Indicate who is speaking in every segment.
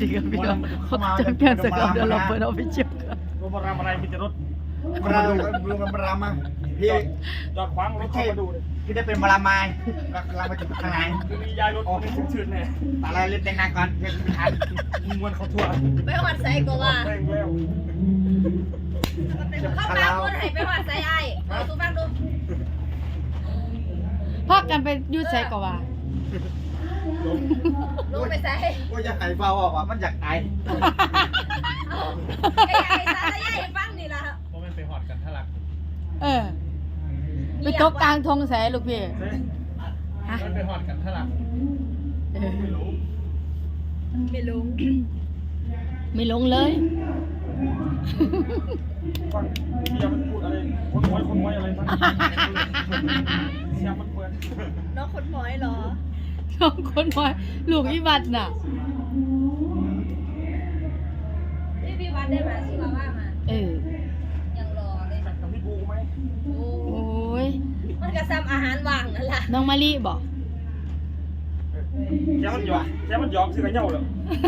Speaker 1: ดีกับพี่น้องเขาจะเปลี่ยนสกอตเดี๋ยวเราเปิดเอาไปเชียบกัน
Speaker 2: รถมาอะไรมีแต่รถ
Speaker 3: มาดูลุงมารามาพี่
Speaker 2: จอดขวางรถเข้ามาดูเลย
Speaker 3: พี่ได้เป็นมาราไม้เรามาจุดข้างใน
Speaker 2: คือมียายรถมีชื่นๆเนี่ย
Speaker 3: อะไรเล่นแดงนางก่อนเพื่อนทัน
Speaker 2: มวนเขาทั่ว
Speaker 4: ไปหอดใส่ก็ว่า
Speaker 2: แป้งแล้ว
Speaker 4: เข้ามาคนให้ไปหอดใส่ไอ้เอาตู้ฟังดู
Speaker 1: พากันไปยูไซก็ว่า
Speaker 4: ลงไปใส่
Speaker 3: ก็อยากไอ้เบาออกอ่ะมันอยากไอ
Speaker 4: ไอ้ไอ้ซาใหญ่ฟังนี่ล่ะ
Speaker 2: เพราะมันไปหอดกันทะลัก
Speaker 1: เออไปตกกลางทงแสลูกพี่ฮะ
Speaker 2: มันไปหอดกันทะลัก
Speaker 1: เออ
Speaker 4: ไม่ลง
Speaker 1: ไม่ลงเลย
Speaker 2: ฟังเสียมันพูดอะไรคนไว้อะไรทั้งเสียมันเปิด
Speaker 4: น้องคนหมอยเหรอ
Speaker 1: น้องคนน้อยลูกอีบัดน่ะ
Speaker 4: พี่วัดได้มาชิวาว่ามา
Speaker 1: เออ
Speaker 4: ยังรอเลย
Speaker 2: กับพี่บูไหม
Speaker 4: โอ้
Speaker 1: โอ้ย
Speaker 4: มันก็ซ้ำอาหารว่างนั่นแหละ
Speaker 1: น้องมะลิบอก
Speaker 2: แกมันหยอกซื้อกันเน่าเลย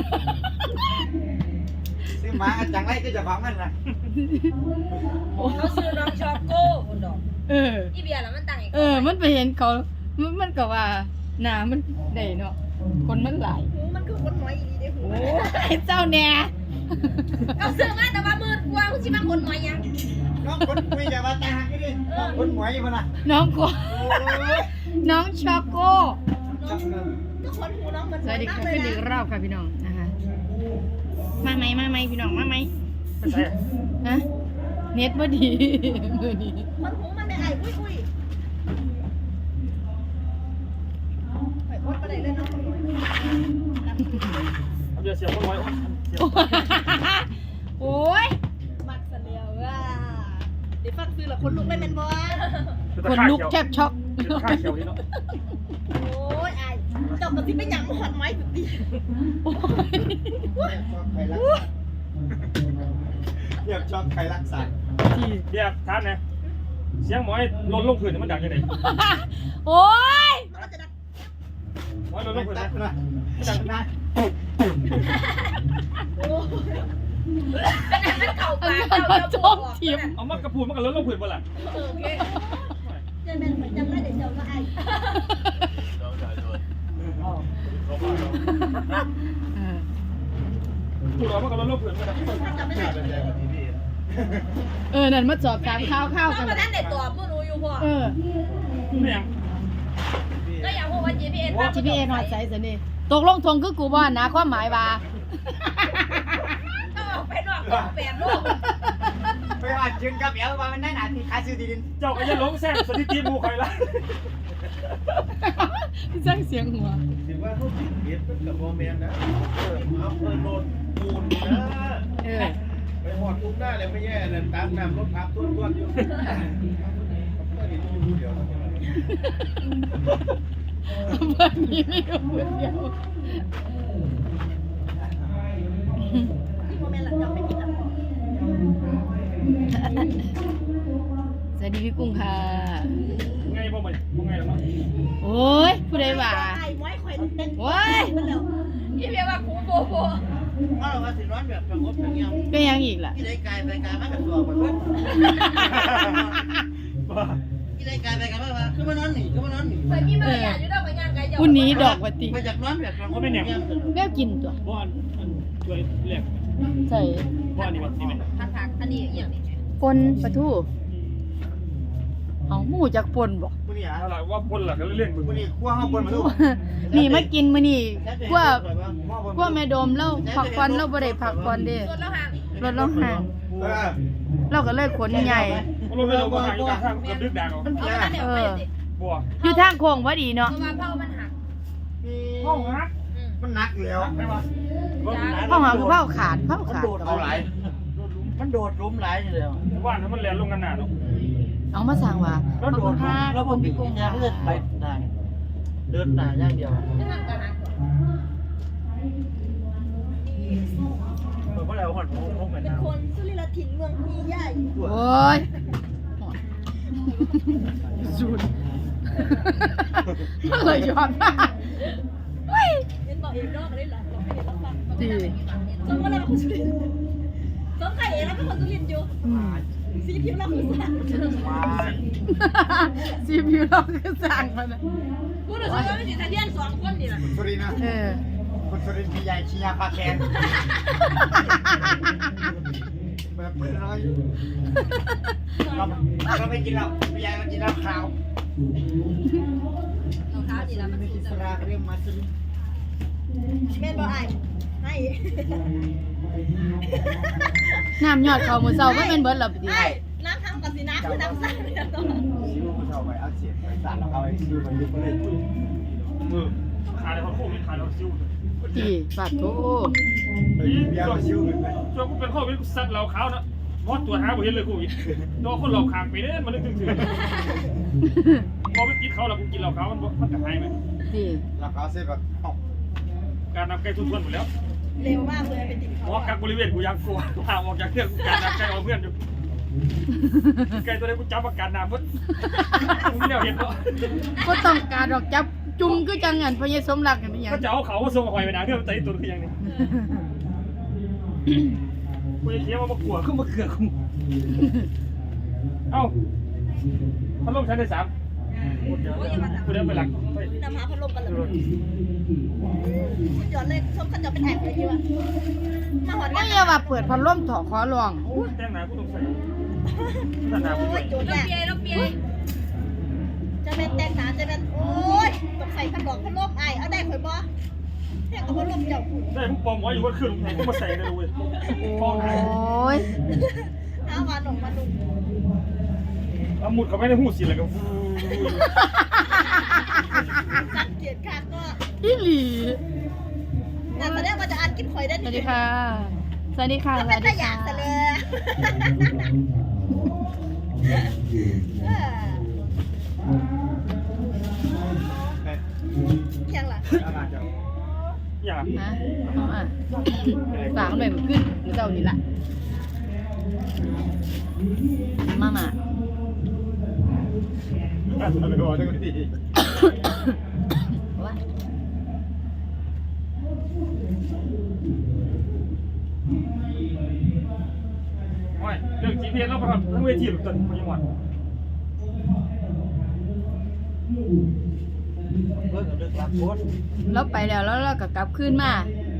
Speaker 3: ซื้อมาจังไรก็จะฟังมันนะ
Speaker 4: เขาซื้อน้องช็อกโก้คนดอก
Speaker 1: เออ
Speaker 4: อีเบียร์แล้วมันต่างอีก
Speaker 1: มันไปเห็นเขามันก็ว่าหนามันได้เนาะคนมันหลาย
Speaker 4: มันคือคนหมอยอีนี่ได้หู
Speaker 1: โอ้ยเจ้าแน่
Speaker 4: เขาซื้อมาแต่ว่ามืดกว่าคุณชิมาคนหมอยยัง
Speaker 3: น้องคนคุยจะมาตาหักดิน้องคนหมวยอยู่นะ
Speaker 1: น้องก็น้องช็อกโก้
Speaker 4: น้องก็คนหูน้องเหมือน
Speaker 1: สวัสดีค่ะ
Speaker 4: เล
Speaker 1: ขึ้
Speaker 4: ย
Speaker 1: นอีก
Speaker 4: นะ
Speaker 1: รอบค่ะพี่น้องนะคะมาไหมพี่น้องมาไหม
Speaker 2: ไม่ใช่
Speaker 1: ฮะเน็ตบ่ดีมือดี
Speaker 4: คนหูมันไม่ไอ้คุยไปอดไปไหนเลยน้องคนหมอย
Speaker 2: เดี๋ยวเสียคนไว้เสีย
Speaker 1: โอ้ย
Speaker 4: มักเสลียวว่าเดี๋ยวฟังซื้อละคนลุกได้แมนบอล
Speaker 1: คนลุกแทบช็อก
Speaker 2: ข้าเขียวนี่เนาะ
Speaker 4: โอ้ยไอ้เจ้ากับที่เป็นหยังมาหอดไม้สุดดี
Speaker 3: เรียกชอบใครรักษา
Speaker 2: เดี๋ยวท่านเนี่ยเสียงหมอยลนลงพื้นมันดังยังไง
Speaker 1: โอ้ย
Speaker 4: มันก็จะดัก
Speaker 2: หมอยลนลงพื้น
Speaker 3: ตั
Speaker 2: นะ
Speaker 3: ดนะตัดนะ
Speaker 4: โอ้ยอันนั้นมันเก่า
Speaker 1: อัน
Speaker 4: ปาก
Speaker 1: นั้น
Speaker 4: เก่า
Speaker 1: มา
Speaker 4: เจ้า
Speaker 1: โจ
Speaker 4: บอ
Speaker 1: ม
Speaker 4: ก
Speaker 1: ทีม
Speaker 2: เอามากระพูนมันก็ลนลงพื้นบ่ล่ะ
Speaker 4: โอเคจะเป็นเหมือนจำได้เดี๋ยวเจ้าก็ไอ้
Speaker 1: เออ
Speaker 2: พูดออกมันก็ลนลงพื้นบ่ล่ะ
Speaker 4: จำไม่ได้
Speaker 1: นั่นมาจอบตามข้าว
Speaker 4: เพ
Speaker 1: กัน
Speaker 4: ราะนั้นเด็กตัวผู้รู้อยู่พ่อ
Speaker 2: ไม่ยัง
Speaker 4: ก็อยากพูดว่า GPS
Speaker 1: GPS ฮอดไสซะนี่ตกลงทงคือกูบ่นะความหมายว่า
Speaker 4: ก็ออกไปนอกกองแปดโลก
Speaker 3: ไปว่าจึงกับเอลว่ามันได้หนาที่ขายซื้อที่ดิน
Speaker 2: เจ้าก็จะลงแซงสถิติมูคอยละ
Speaker 1: สร้างเสียงหัว
Speaker 5: ถือว่าเขาติดเบียดเป็นกับโมเมนต์นะเอาเพิ่นโดนปูนนะ
Speaker 1: เออ
Speaker 5: ไปหอดทุกหน้าเลยไม่แย่เลยตามน้ำรถทับต้นอยู่ก็เห็นอยู่เดียว
Speaker 1: เพื่อนนี้ไม่รู้เพื่อนเดียว
Speaker 4: ที่โมเมนต์หลังจากไปกินอ่ะ
Speaker 1: สวัสดีพี่กุ้งค่ะ
Speaker 2: ไงบ่มันบ่ไงแล้วเนาะ
Speaker 1: โอ้ยผู้ใดว่า
Speaker 4: ไอ้ม้อยคอยเต้น
Speaker 1: โอ้ย
Speaker 4: มันแล้วยี่เรียกว่าคูโบโบ
Speaker 5: ว่าเราสิร้อนแบบสงบอย่างเงี้ย
Speaker 1: เป็นยังอีกล่ะ
Speaker 5: ที่ได้กายไปกายมากับตัวไปเพิ่นที่ได้กายไปกายมาคือมานอนหนีคือมานอนหนี
Speaker 4: เคยมีมารยาทอยู่ดอกมันย่างไกล
Speaker 1: ผู้นี้ดอกวัติ
Speaker 5: ไปจากนอนแบบสงบ
Speaker 1: แววกินตัว
Speaker 2: บ่อันช่วยเรียก
Speaker 1: ใส่
Speaker 2: บ่อันนี้มันสิแม่
Speaker 4: ผักอันนี้อย่างนี้
Speaker 1: ปนปลาทูเอาหมูจากปนบอก
Speaker 3: มึงนี่อ่ะ
Speaker 2: อะไรว่าคนล่ะก็เล่นมึง
Speaker 3: มึงนี่ขั้วห้องบนมาดู
Speaker 1: นี่มากินมื้อนี้กว่าแม่โดมเราผักผ่อนเราบ่ได้ผักผ่อนเด้
Speaker 4: รถแล้วห่าง
Speaker 1: รถเราห่าง เราก็เลยขนใหญ่
Speaker 2: ลงไปเราก็หายอยู่ข้างกับดึกดังเอา
Speaker 3: มัน
Speaker 4: เอา
Speaker 3: เพี้ย
Speaker 4: อันนั้นเดี๋ยวไปสิ
Speaker 2: บ่
Speaker 1: อยู่ทางโค้งพอดี
Speaker 4: เพ
Speaker 1: เนาะ
Speaker 4: ราะว่าเผามันหัก
Speaker 2: ห้องฮัก
Speaker 3: มันหนักแล้ว
Speaker 2: ได้ป่ะ
Speaker 1: เผาหาคือเผาขาด
Speaker 5: เอาหลายมันโดดล้มหลายเลย
Speaker 2: ว่านมันแล่นลงกันหน้าเนาะ
Speaker 1: เอามาสั่งว่า
Speaker 5: แล้วโดดแล้วผมพี่กุ้งยางเลือดไปได้เดินหน้าอย่างเดียว
Speaker 4: ไม่หักกันหัก
Speaker 5: เพราะเราหอดพงเหมือน
Speaker 4: เป็นคนสุริลถิ่นเมืองพีใหญ่
Speaker 1: โอ้ยสูดมันเลยย้อนมาเฮ้ย
Speaker 4: เห็นบอกเองนอกเลยหรอบอกให้เห็นแล้วฟังไป
Speaker 1: ดี
Speaker 4: สมมติเราเป็นคนสุรินทร์สมไข่เองแล้วเป็นคนสุรินทร์อยู่
Speaker 1: อืม
Speaker 4: สีผิวเราคือสัตว์
Speaker 1: ซีพิวเราคือสั่งมันนะ
Speaker 4: กูรู้สึกว่าเป็นสีทะเลียน2คนนี่แหละ
Speaker 3: สุรินทร์นะ
Speaker 1: เออ
Speaker 3: คนสุรินทร์พี่ใหญ่ชี้ยาปลาแคนแบบเพื่อนน้อยเราไม่กินเราพี่ใหญ่เรากินเหล้าขาว
Speaker 4: รองเท้าดีแล้วมัน
Speaker 3: ไม่
Speaker 4: สู
Speaker 3: กิ
Speaker 4: ง
Speaker 3: นสลากเรื่องมาสุรินทร์
Speaker 4: แม่นบ่ไอ้ให้
Speaker 1: น้ำยอดเขามือเศร้าก็เป็นเบิร์ดหลับดี
Speaker 4: ไอ้น้ำทำกับสีน้ำคือน้ำใสเนี่ยต้อง
Speaker 3: ซิวผู้ชายไปเอาเสียบไปสาดแล้วเอาไอ้ซิวมันยุบเลย
Speaker 2: ขายแล้วโควิดขายแล้วซิ่ว
Speaker 1: ดีปากโถ
Speaker 3: เบี้ยซิวเลยไหม
Speaker 2: ช่วงกูเป็นโควิดกูซัดเหล้าขาวนะมอดตัวหาบ่เห็นเลยโควิดโดนคนหลอกขางไปเด้มันนึกถึงพอไปกินเขาแล้วกูกินเหล้าขาวมันจะหายไหม
Speaker 1: ดี
Speaker 3: แล้วเขาเสียแบบอ๋อ
Speaker 2: การนำไก่ทุนหมดแล้ว
Speaker 4: เร็วมากเลยเป็นติด
Speaker 2: หม
Speaker 4: เขา
Speaker 2: อกักบริเวณกูยังกลัวว่าออกจากเครื่องกูการนำไก่เอาเพื่อนอยู่ไก่ตัวนี้กูจับอาการน้ำพุ่นกูไม่ได้เห็นหรอก
Speaker 1: ก็ต้องการดอกจับจุ่มก็จังเงินพญสมรักกันไม่ยัง
Speaker 2: ก็จะเอาเขาส่งหอยไปนะเพื่อนใจตัวคือยังนี่กูจะเคี้ยวมากลัวขึ้นมาเกลือกูเอ้าพัดลมชั้นที่3กูเดินไปหลัง
Speaker 4: นำหาพัดลมกันเลยคุณหยอดเลยชมขันหยอดเป็นแอบเลยดีวะมาหอน
Speaker 1: ไม่
Speaker 4: กัน
Speaker 1: อย่าว่าเปิดพัดลมถอขอลอง
Speaker 2: โอ้ยแต่งหนากูต้องใส่แต่งหนากู
Speaker 4: โอ้
Speaker 2: ด้วย ย
Speaker 4: โจทย์เนี่ยจะเป็นแตงหนาจะเป็นโอ้ยต้องใส่พัดบอกพัดลมไอ้เอาได้ข่อยบ่แค่กับพัดลมเจ้าคุณ
Speaker 2: ได้พวกปอมไว้อยู่ว่าขึ้นไหนกูมาใส่เลยเว้ยปอมไหน
Speaker 1: โอ้ย
Speaker 4: เอามาหนุ่มมาหนุ่ม
Speaker 2: เอาหมุดเขาไม่ได้หูสิเลยก็
Speaker 4: สังเกตค่ะก็
Speaker 1: อีหลี
Speaker 4: แต่แสดงว่าจะอ่านกินข่อยได้
Speaker 1: สวัสดีค่ะ สวัสดีค่ะ
Speaker 4: ก็
Speaker 1: ส
Speaker 4: เป็
Speaker 1: วัน ส
Speaker 4: ตะ
Speaker 1: ดี
Speaker 4: หยา
Speaker 1: ค่ะ
Speaker 4: ดซะเลยเคียงล่ะ
Speaker 3: อะไรเจ้า
Speaker 2: อย่าง
Speaker 1: ฮะเอาอ่ะฝากหน่อยมันขึ้นหรือเจ้านี่ล่ะมามา
Speaker 3: อะไรวะทั้งที
Speaker 1: ว่า
Speaker 2: โอ้ยเรื่อง GPS แล้วประกับทั้งเวทีหรือตัวยังหวัด
Speaker 3: เลิกกับเลิกรับโค้ด
Speaker 1: เราไปแล้วแล้วเราก็กลับขึ้นมา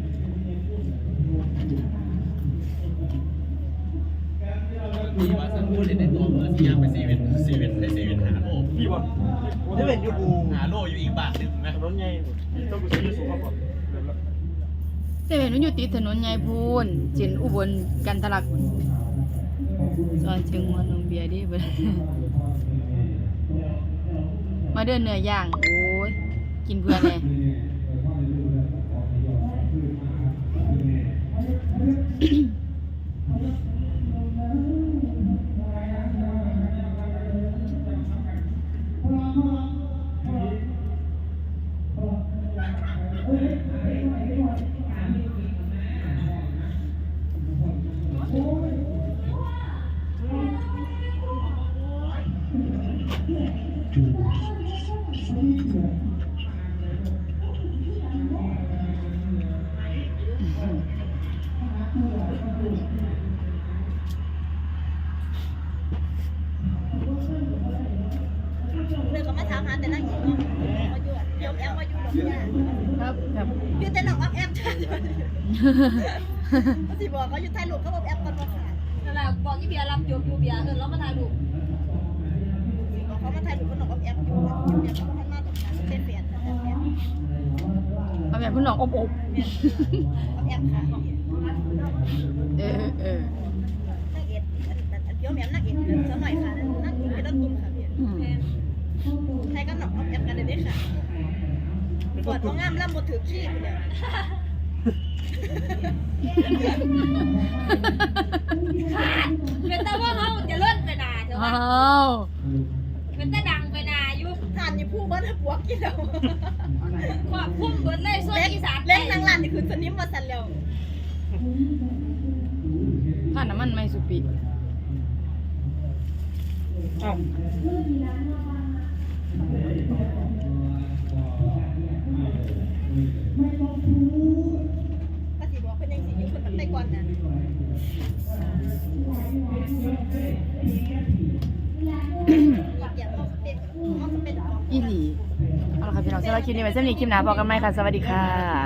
Speaker 5: มีว่าสักพูดในตัวเมื่อที่ยังไปซีเวนหาโล
Speaker 2: พี่วะ
Speaker 3: นี่เป็นยูบู
Speaker 5: หาโลอยู่อีกบาทหนึ่งไหม
Speaker 2: ถนนใหญ่ต้องกูใช้ยาสูบก่อน
Speaker 1: เจะเห็นมันอยู่ติดถนนใหญ่พูนเจินอุบลกันทะลักซอยเชียงมวนนมเบียร์ดิเบิด มาเดินเนื้อย่างโอ้ยกินเพื่อนเลย
Speaker 4: เรื่องก็มาถามหาแต่นั่งหญิงเนาะมาอยู่เดี๋ยวแอมมาอยู่ดอกยา
Speaker 1: ครับครับ
Speaker 4: อยู่แต่น้องแอมจ้าสิบอกเขาอยู่ไทยลูกเขาบอกแอมกันมาขาย
Speaker 6: นั่นแหละบอกยี่เบียร์รับจบอยู่เบียร์เออแล้วมาถ่ายรูป
Speaker 4: บอกเขามาไทยลูกก็น้องแอมอยู่เบียร์เขาพันมาดอกยาเป็นเปลี่ยนแต่แอม
Speaker 1: เอาแบบพี่น้องอบ
Speaker 4: แอมค่ะ
Speaker 1: เออเออ
Speaker 4: นักเอ็ดเดี๋ยวแม่นักเอ็ดสมัยค่ะนักเอ็ดเป็นต้นทุนค่ะพี่
Speaker 1: อืม
Speaker 4: ไทยก็หนอกแอมกันได้ค่ะปวดท้องงามแล้วหมดถือขี้เดียว
Speaker 6: เป็นแต่ว่าเขาจะเลื่อนไปนาเถอะ
Speaker 1: อ้
Speaker 6: วะ
Speaker 1: าว
Speaker 6: เป็นแต่ดังไปนาอยู่
Speaker 4: ทานอยู่ผู้บ้านปวกกินแล้ว
Speaker 6: ควบคุมเบิดเลยส่วนอีสาน
Speaker 4: เล่นนางลานนี่คือสนิมมาสั่นแล้ว
Speaker 1: ผ่านน้ำมันไม่สุปี
Speaker 2: เอ้า
Speaker 4: ก็สิบอกอนน่ะ เดี๋ยวเขาเป็นของ
Speaker 1: อีหลีเอาละค่ะพี่น้องสำหรับคลิปนี้ไว้สำหรับคลิปหน้าพบกันใหม่ค่ะสวัสดีค่ะ